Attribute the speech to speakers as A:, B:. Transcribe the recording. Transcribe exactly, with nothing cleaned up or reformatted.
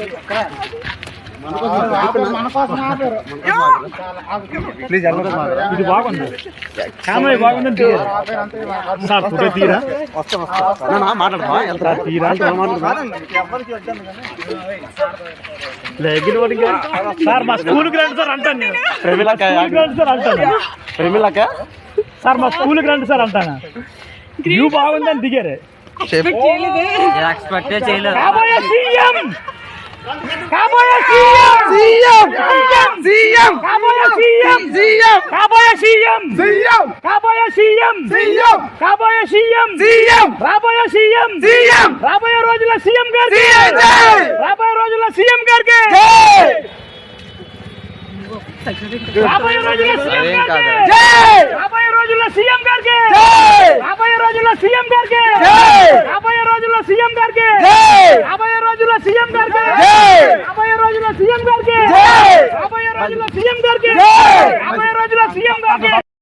A: please ఇది బాగుంది camera బాగుంది సార్ ఫోటో తీరా మాట్లాడతా తీరా సార్ మా స్కూల్కి రండి సార్ అంటాను నేను రండి సార్ అంటాను
B: ప్రేమిలక
A: సార్ మా స్కూల్కి రండి సార్ అంటాను వ్యూ బాగుందని దిగారు
C: ఎక్స్పెక్ట్ చేయలేదు
A: కాబోయే సీఎం కాబోయే సీఎం సీఎం సీఎం కాబోయే సీఎం సీఎం కాబోయే సీఎం సీఎం కాబోయే సీఎం సీఎం కాబోయే సీఎం సీఎం రాబోయే సీఎం సీఎం రాబోయే రోజుల సీఎం గారికి రాబోయే రోజుల సీఎం గారికి రాబోయే రోజుల సీఎం గారికి రాబోయే రోజుల సీఎం గారికి రాబోయే రోజుల సీఎం గారికి రాబోయే రోజుల సీఎం గారికి రాబోయే రోజుల సీఎం గారికి రాబోయే రోజుల సీఎం గారికి రాబోయే రోజుల సీఎం గారికి రాబోయే రోజుల సీఎం గారికి